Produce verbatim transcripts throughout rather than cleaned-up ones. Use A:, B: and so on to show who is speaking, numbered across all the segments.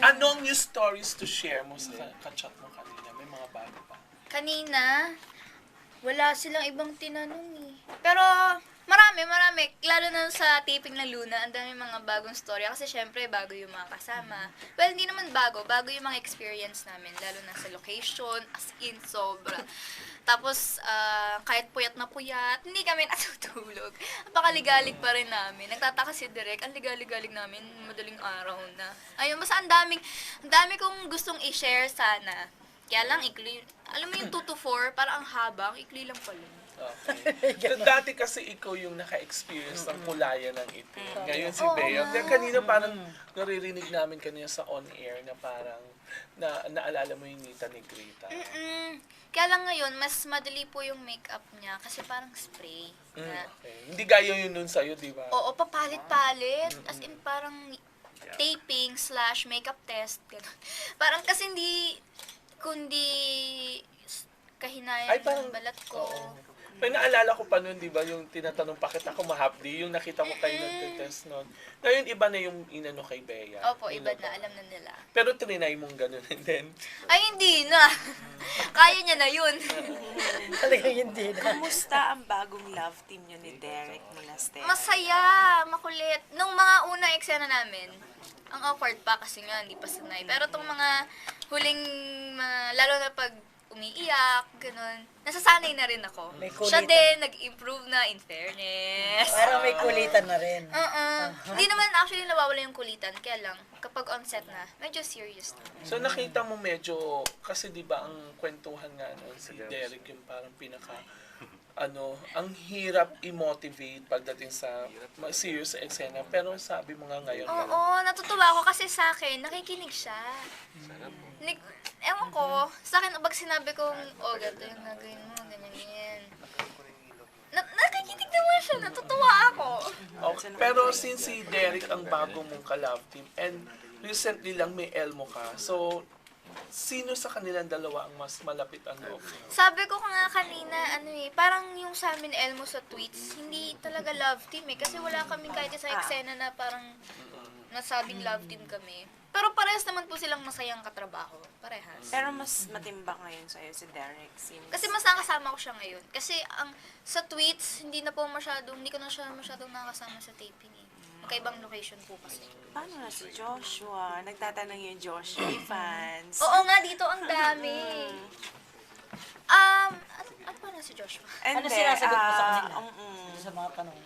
A: Anong new stories to share mo sa ka-chat mo kanina? May mga bago pa.
B: Kanina, wala silang ibang tinanong eh. Pero, marami, marami. Lalo na sa taping ng Luna, ang dami mga bagong story. Kasi syempre, bago yung mga kasama. Well, hindi naman bago. Bago yung mga experience namin. Lalo na sa location, as in, sobra. Tapos, ah, kahit puyat na puyat, hindi kami natutulog. Napakaligalig pa rin namin. Nagtataka si Direk, ang ligalig-galig namin, madaling araw na. Ayun, basta ang daming, ang dami kong gustong i-share sana. Kaya lang, ikli, alam mo yung two to four, parang ang haba, ang ikli lang pala.
A: Okay. So, dati kasi ikaw yung naka-experience ng kulayan ng itim. Ngayon si
B: Oo
A: Bea.
B: nga.
A: Kaya kanina parang naririnig namin kanina sa on-air na parang na naalala mo yung Nita Negrita.
B: Mm-mm. Kaya lang ngayon, mas madali po yung makeup niya kasi parang spray.
A: Mm,
B: Na,
A: okay. Hindi gaya yun nun sa'yo, di ba?
B: oo, papalit-palit. As in, parang taping slash makeup test. Ganun. Parang kasi hindi, kundi kahinayan
A: Ay, parang-
B: ng balat ko.
A: Oo. May naalala ko pa nun, di ba, yung tinatanong pa kita kung mahapdi, yung nakita ko kayo nag-test nun. Ngayon, iba na yung inano kay Bea.
B: Opo, iba
A: Yung
B: na,
A: logo.
B: alam na nila.
A: Pero trinay mong ganun and then,
B: Ay, hindi na. Kaya niya na yun.
C: Talagang hindi na.
D: Kumusta ang bagong love team niyo ni Derek Monasterio?
B: Masaya, makulit. Nung mga unang eksena namin, ang awkward pa kasi nga, hindi pa sanay. Pero itong mga huling, mga, lalo na pag umiiyak, ganun, nasasanay na rin ako.
C: May kulitan.
B: Siya din, nag-improve na, in fairness.
C: Parang may kulitan na rin.
B: Uh-uh. Hindi naman actually nawawala yung kulitan, kaya lang, kapag on set na, medyo serious na.
A: so nakita mo medyo, kasi di ba ang kwentuhan nga nun, si Derek yung parang pinaka, ano, ang hirap i-motivate pagdating sa ma- serious sa eksena. Pero sabi mo nga ngayon,
B: Oo, natutuwa ako kasi sa akin, nakikinig siya. Nig ewan ko, sa akin, pag sinabi kong, oh, ganito yung nagawin mo, ganyan, ganyan. Na nakikinig naman siya, natutuwa ako.
A: okay. Pero since si Derek ang bago mong ka-love team, and recently lang may Elmo ka, so sino sa kanilang dalawa ang mas malapit ang loob mo?
B: Sabi ko nga kanina, ano eh, parang yung sa amin Elmo sa tweets, hindi talaga love team eh. Kasi wala kaming kahit isang eksena na parang nasabing love team kami. Pero parehas naman po silang masayang katrabaho. Parehas.
D: Pero mas matimbang ngayon sa'yo si Derek. Since...
B: Kasi mas nakasama ko siya ngayon. Kasi ang sa tweets, hindi na po masyadong, hindi ko na siya masyadong nakasama sa taping eh. Magkaibang location po kasi.
D: Paano na si Joshua? Nagtatanong yung Joshua fans.
B: Oo nga, dito ang dami. Um, ano, ano pa na si Joshua?
D: And
C: Ano
D: then,
C: sinasagot mo sa
D: ah,
C: kanila?
D: mm-mm.
C: Sa mga tanong.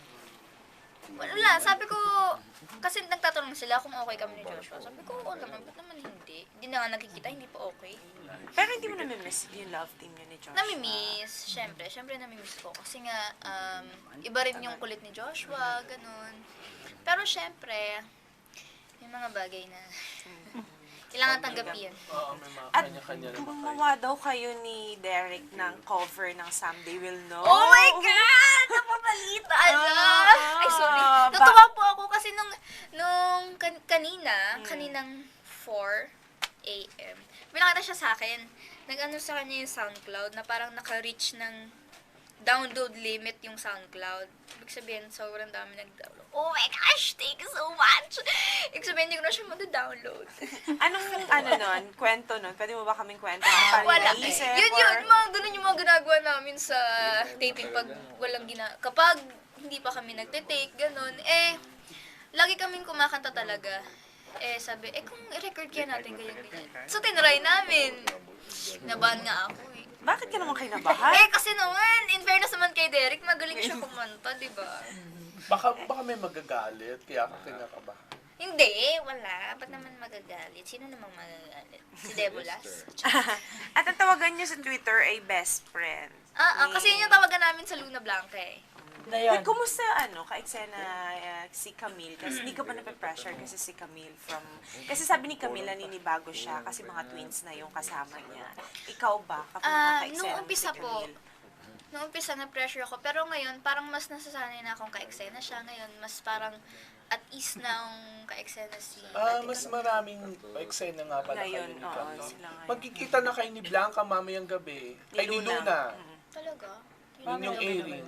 B: Wala, sabi ko, kasi nagtatanong sila kung okay kami ni Joshua. Sabi ko, oo naman, ba't naman hindi? Hindi na nga nakikita, hindi pa okay.
D: Pero hindi mo namimiss yung love team niyo ni Joshua?
B: Namimiss, syempre, syempre namimiss ko. Kasi nga, um, iba rin yung kulit ni Joshua, ganun. Pero syempre, may mga bagay na kailangan tanggapin.
A: Oo, may mga
D: At
A: kanya-kanya naman kayo.
D: gumawa daw kayo ni Derek ng cover ng Someday We'll Know.
B: Oh my God! Napabalita na!
D: Ah,
B: Ay, sorry.
D: ba-
B: Natuwa po ako kasi nung, nung kan- kanina, kaninang four a.m., pinakita siya sa akin. Nag-ano sa kanya yung SoundCloud na parang naka-reach ng download limit yung SoundCloud. Ibig sabihin, sobrang dami nag-download. Oh my gosh! Thank you so much! Ibig sabihin, hindi ko na siya mag-download.
D: Anong ano nun? Kwento nun? Pwede mo ba kaming kwento? Paano
B: Wala.
D: naisip?
B: Yun yun,
D: or-
B: mga ganun yung mga ginagawa namin sa taping pag walang gina... Kapag hindi pa kami nagte-take, ganun, eh, lagi kaming kumakanta talaga. Eh, sabi, eh, kung i-record kaya natin ganyan, ganyan. So, tinry namin. Nabahan nga ako eh.
D: Bakit ka naman kinabahan?
B: Eh, kasi naman, in fairness naman kay Derek, magaling siya kumanta, di ba?
A: Baka, baka may magagalit, kaya ka kinakabahan.
B: Hindi, wala. Ba't naman magagalit? Sino namang magagalit? Si Debolas?
D: At ang tawagan niyo sa Twitter ay best friend.
B: Ah, ah, kasi yun yung tawagan namin sa Luna Blanca eh.
C: Na
D: Wait,
C: yan.
D: kumusta ano, ka-eksena uh, si Camille? Kasi hindi ka ba nape-pressure kasi si Camille from... Kasi sabi ni Camille, naninibago siya kasi mga twins na yung kasama niya. Ikaw ba? Kapag
B: Ah,
D: naka-eksena
B: nung
D: mo
B: umpisa
D: si
B: po,
D: Camille?
B: nung umpisa na-pressure ako. Pero ngayon, parang mas nasasanay na akong ka-eksena siya. Ngayon, mas parang at ease na ang ka-eksena si
A: Ah,
B: Ate
A: mas
B: Camille.
A: maraming eksena nga pala kayo
D: Ngayon,
A: ni
D: oo,
A: Cam, no?
D: sila ngayon.
A: Magkikita na kayo ni Blanca mamayang gabi. Ay, ni Luna.
D: Mm.
B: Talaga?
A: Yun yung airing.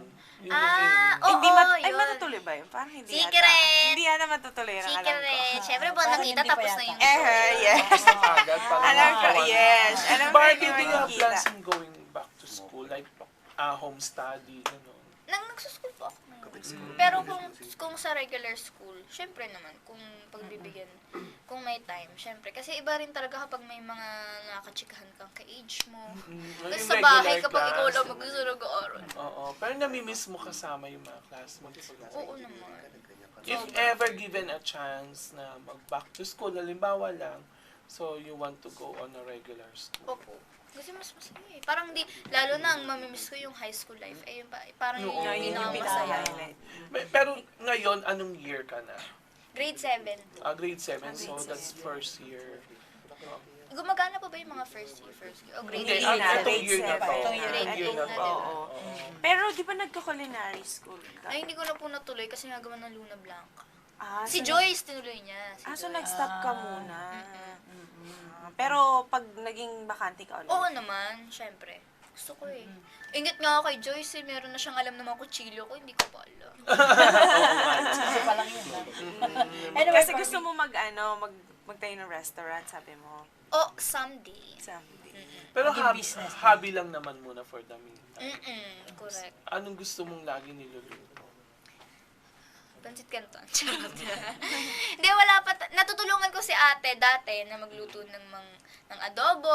A: Yung
B: Ah,
A: in-
B: oo,
D: hindi mat- ay,
B: yun.
D: matutuloy ba yun? Parang hindi yata.
B: Secret!
D: Hindi yata matutuloy yung alam ko.
B: Secret. Siyempre po,
C: Parang
B: nakita
C: hindi pa
B: tapos na
C: yata.
B: yung
D: Eh, yes.
A: agad para
D: Alam ko,
A: makawan.
D: yes. Alam ko
A: Barbie,
D: yung
A: do you have
D: makikita.
A: plans in going back to school? Like, uh, home study, gano'n?
B: Nang nagsuschool po ako ngayon. Pero kung kung sa regular school, syempre naman, kung pagbibigyan, kung may time, syempre. Kasi iba rin talaga kapag may mga nakachikahan kang ka-age mo.
A: Mm,
B: Kasi
A: yung
B: sa bahay,
A: regular
B: kapag ikaw
A: class.
B: lang mag-aaral.
A: Oo, pero namimiss mo kasama yung mga classmates.
B: Oo naman.
A: If ever given a chance na mag-back to school, halimbawa lang, so you want to go on a regular school.
B: Opo. Kasi mas masaya eh. Parang di, lalo na ang mamimiss ko yung high school life. Eh, yun pa, parang yun
A: Oo.
B: yung
D: Yun yung
B: pinakamasaya.
D: pinaka-highlight.
A: May- Pero ngayon, anong year ka na?
B: Grade seven.
A: Ah, grade seven, so
D: grade
A: that's
D: seven.
A: first year.
B: Gumagana pa ba yung mga first year, first year? O grade
A: Hindi,
B: eight
A: ah,
D: na,
B: na?
A: itong
D: grade
A: year na to.
D: seven.
C: Itong year
B: na.
A: Itong year na
B: Grade
A: to.
B: eight na,
A: Oo.
D: Pero di ba nagka-culinary school ka?
B: Ay, hindi ko na po natuloy kasi nagawa ng Luna Blanca.
D: Ah,
B: Si
D: so-
B: Joyce, tinuloy niya. Si
D: Ah, so
B: Joyce.
D: nag-stop ka muna. Ah, Pero pag naging bakante ka ulit.
B: Oo naman, syempre. Gusto ko eh. Ingit nga ako kay Joyce eh, meron na siyang alam ng mga kutsilyo ko, hindi ko pa alam.
C: Kasi pa lang yun. ha? Anyway,
D: Kasi
C: Barbie,
D: gusto mo mag, ano, mag, magtayo ng restaurant, sabi mo.
B: Oh, someday.
D: Someday.
A: Pero
C: Maging
A: hobby,
C: business na.
A: hobby lang naman muna for the meantime.
B: Mm-mm, correct.
A: Anong gusto mong lagi niluluto?
B: Pansit canton. Charot. Hindi, wala pa. ta- Natutulungan ko si ate dati na magluto ng, mang, ng adobo,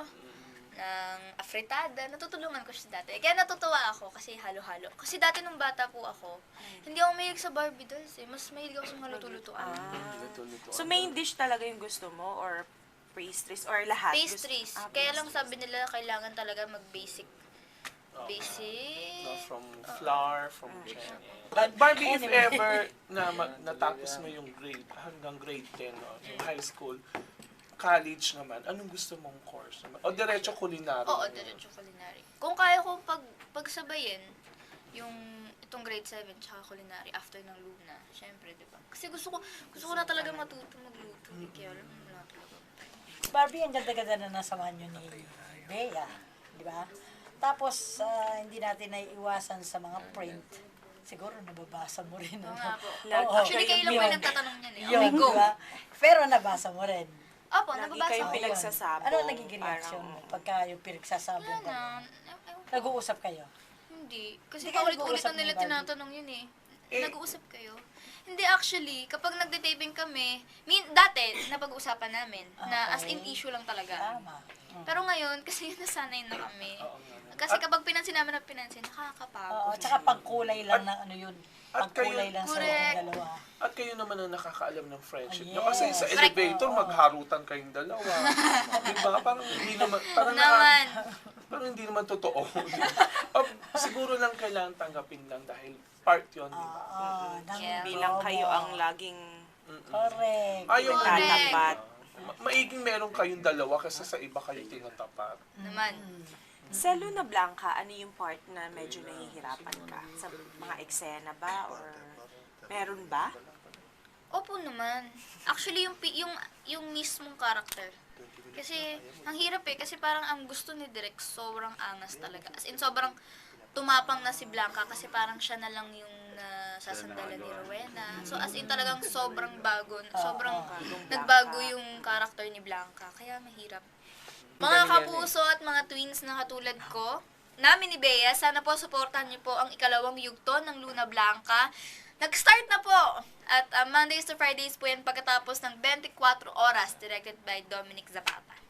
B: ng afritada. Natutulungan ko siya dati. Kaya natutuwa ako kasi halo-halo. Kasi dati nung bata po ako, hindi ako mahilig sa Barbie dolls eh. Mas mahilig ako sa mga luto-lutoan.
D: Ah.
A: Luto-luto.
D: So main dish talaga yung gusto mo or pastries or lahat?
B: Pastries.
D: Gusto- ah,
B: Kaya lang
D: pastries.
B: sabi nila kailangan talaga mag-basic.
A: Oo.
B: Basic.
A: No, from flour, from chen. But Barbie, if
C: Anyway.
A: ever na ma- natapos mo yung grade, hanggang grade ten, no, yung high school, college naman, anong gusto mong course naman? O diretso culinary?
B: Oo, diretso culinary. Kung kaya ko pag pagsabayin yung itong grade seven tsaka culinary after ng Luna, syempre, di ba? Kasi gusto ko gusto ko na talaga matuto magluto. Eh, kaya alam mo na talaga.
C: Barbie, ang ganda-ganda na nasamahan nyo ni Bea. Di ba? Tapos, ah, hindi natin naiiwasan sa mga print. Siguro nababasa mo rin.
B: Oo
C: ano?
B: nga po.
C: Oo.
B: Actually, kayo lang po
C: Yun.
B: yung nagtatanong niyan eh.
C: Yun,
B: Okay, go.
C: di ba? Pero nabasa mo rin.
B: Opo,
D: Lagi
B: nababasa
D: kayong
B: ko.
C: Ayun.
D: pinagsasabong,
C: Ano ang nagiging reaction mo
D: parang-
C: pagka yung pinagsasabong
B: Wala
C: ka?
B: na. Ew- ewan ko.
C: Nag-uusap kayo?
B: Hindi. Kasi
C: Hindi kayo
B: paulit-ulit
C: nag-uusap
B: na nila
C: ni Barbie?
B: tinatanong yun eh.
A: Eh.
B: Nag-uusap kayo? Hindi actually, kapag nagde-taping kami, min, dati, napag-uusapan namin, na as in
C: Okay.
B: issue lang talaga.
C: Tama. Mm.
B: Pero ngayon, kasi nasanay na kami.
A: Oo nga.
B: Kasi kapag pinansin namin na pinansin, nakakapagod.
C: Oo, tsaka pangkulay lang ng ano yun.
A: at
C: Pangkulay
A: kayo-
C: lang sa
B: Correct.
C: inyong dalawa.
A: At kayo naman ang nakakaalam ng friendship.
C: Ah,
A: No? Kasi sa
C: yes.
A: elevator,
C: Oo.
A: magharutan kayong dalawa. Di ba? Parang hindi naman, parang,
B: Naman.
A: naka- parang hindi naman totoo. O, siguro lang kailangan tanggapin lang dahil part yun, di ba?
C: Oo, ng
B: Yeah.
D: Bilang
C: promo.
D: kayo ang laging
C: Correct.
A: Ayaw mo
B: Correct.
D: tatapat.
A: Ma- maiging meron kayong dalawa kasi sa iba kayo tinatapat.
B: Naman.
D: Sa Luna Blanca, ano yung part na medyo nahihirapan ka? Sa mga eksena ba? Or meron ba?
B: Opo naman. Actually, yung, pi- yung, yung mismong character. Kasi, ang hirap eh. Kasi parang ang gusto ni Direk, sobrang angas talaga. As in, sobrang tumapang na si Blanca kasi parang siya na lang yung nasasandalan ni Rowena. So, as in, talagang sobrang bago. Sobrang nagbago yung character ni Blanca. Kaya mahirap. Mga
A: Ganun yan eh.
B: kapuso at mga twins na katulad ko, namin ni Bea, sana po supportahan niyo po ang ikalawang yugto ng Luna Blanca. Nag-start na po! At uh, Mondays to Fridays po yan pagkatapos ng twenty-four oras, directed by Dominic Zapata.